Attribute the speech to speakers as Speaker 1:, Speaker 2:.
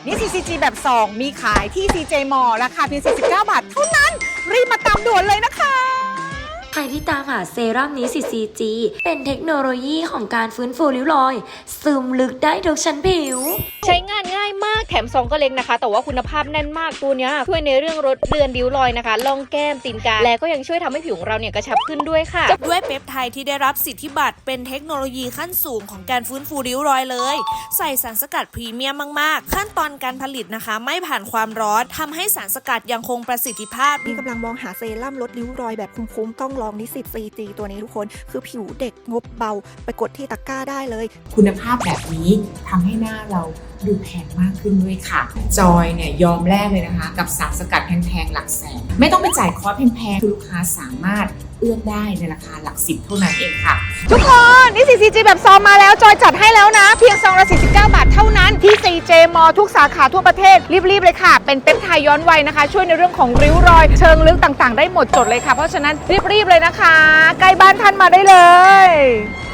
Speaker 1: นี่ CCG แบบ 2 มีขายที่ CJ Mall ราคาเพียง49 บาทเท่านั้น รีบมาตามด่วนเลยนะคะ
Speaker 2: ใครที่ตามหาเซรั่มนี้ CCG เป็นเทคโนโลยีของการฟื้นฟูริ้วรอย ซึมลึกได้ทุกชั้นผิว
Speaker 3: ใช้งานง่ายมากแถมซองก็เล็กนะคะ แต่ว่าคุณภาพแน่นมากตัวเนี้ยช่วยในเรื่องลดเลือนริ้วรอยนะคะล่องแก้มตีนกาและก็ยังช่วยทำให้ผิวของเราเนี่ยกระชับขึ้นด้วยค่ะ
Speaker 4: ด้วยเปปไทด์ที่ได้รับสิทธิบัตรเป็นเทคโนโลยีขั้นสูงของการฟื้นฟูริ้วรอยเลย ใส่สารสกัดพรีเมียมมากๆขั้นตอนการผลิตนะคะไม่ผ่านความร้อนทำให้สารสกัดยังคงประสิทธิภาพ
Speaker 5: นี่กำลังมองหาเซรั่มลดริ้วรอยแบบคุ้มๆต้องลองนิสิต CG ตัวนี้ทุกคนคือผิวเด็กงบเบาไปกดที่ตะกร้าได้เลย
Speaker 6: คุณภาพแบบนี้ทำให้หน้าเราดูแพงมากขึ้นด้วยค่ะ จอยเนี่ยยอมแลกเลยนะคะ กับสารสกัดแพงๆหลักแสนไม่ต้องไปจ่ายคอร์สแพงๆคือลูกค้าสามารถเอื้อนได้ในราคาหลักสิบเท่านั้นเองค่ะ
Speaker 1: ทุกคนนี่ CCG แบบซองมาแล้วจอยจัดให้แล้วนะ เพียงซองละ49 บาทเท่านั้นที่ CJ Mall ทุกสาขาทั่วประเทศรีบๆเลยค่ะ เป็นเปปไทด์ย้อนวัยนะคะ ช่วยในเรื่องของริ้วรอย เชิงลึกต่างๆ ได้หมดจดเลยค่ะ เพราะฉะนั้นรีบๆเลยนะคะ ใกล้บ้านท่านมาได้เลย